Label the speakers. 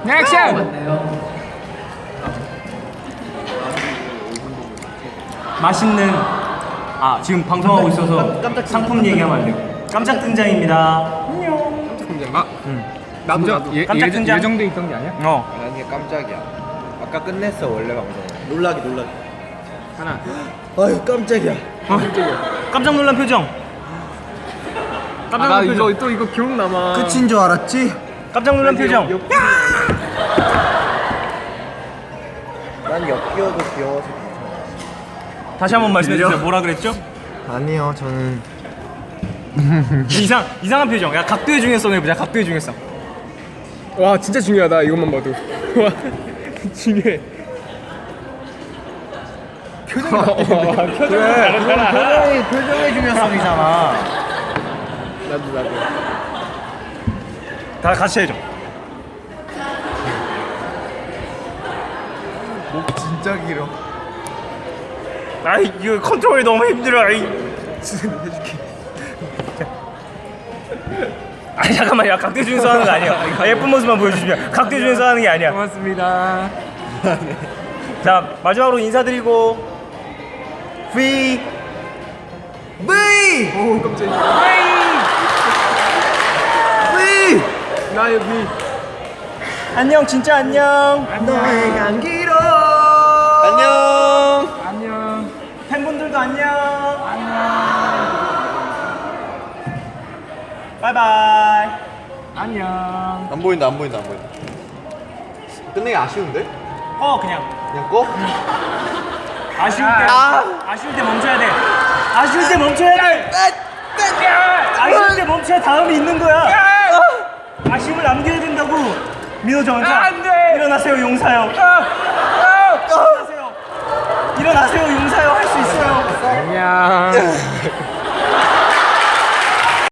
Speaker 1: 액션! 맛있는 지금 방송하고 있어서 상품 얘기하면 안 돼요. 깜짝 등장입니다. 안녕.
Speaker 2: 깜짝 등장. 나도
Speaker 1: 깜짝 등장.
Speaker 2: 예정돼 있던 게 아니야?
Speaker 3: 아니 깜짝이야. 아까 끝냈어 원래 방송. 놀라기.
Speaker 2: 하나.
Speaker 3: 아유 깜짝이야.
Speaker 1: 깜짝 놀란 표정. 깜짝
Speaker 2: 나
Speaker 1: 놀란 표정.
Speaker 2: 이거 기억 남아.
Speaker 3: 끝인 줄 알았지?
Speaker 1: 깜짝 놀란 표정.
Speaker 3: 난 엮여도 귀여워서 괜찮아.
Speaker 1: 다시 한번 말씀해 주세요. 뭐라 그랬죠?
Speaker 3: 아니요 저는
Speaker 1: 이상한 표정. 야 각도의 중요성 해보자. 각도의 중요성.
Speaker 2: 와 진짜 중요하다. 이것만 봐도. 와 중요해. 표정이
Speaker 1: 표정의 중요성이잖아.
Speaker 2: 나도.
Speaker 1: 다 같이 해줘.
Speaker 3: 목 진짜 길어.
Speaker 1: 아이 이거 컨트롤이 너무 힘들어. 아이. 아니 잠깐만, 야 각도 중에서 하는 거 아니야. 예쁜 모습만 보여주시면 각도 중에서 하는 게 아니야.
Speaker 2: 고맙습니다.
Speaker 1: 자 마지막으로 인사드리고 V.
Speaker 2: 오 깜짝이야. 나 여기.
Speaker 1: 안녕 진짜 안녕.
Speaker 3: 너의 향기로.
Speaker 2: 안녕.
Speaker 1: 팬분들도 안녕. 바이바이.
Speaker 2: 안녕.
Speaker 3: 안 보인다. 끝내기 아쉬운데?
Speaker 1: 그냥
Speaker 3: 꺼?
Speaker 1: 아쉬울 때 멈춰야 돼. 아쉬울 때 멈춰야 다음이 있는 거야. 아쉬움을 남겨야 된다고. 민호 전사.
Speaker 2: 안돼.
Speaker 1: 일어나세요 용사요. 일어나세요 용사요. 할 수 있어요.
Speaker 2: 안녕.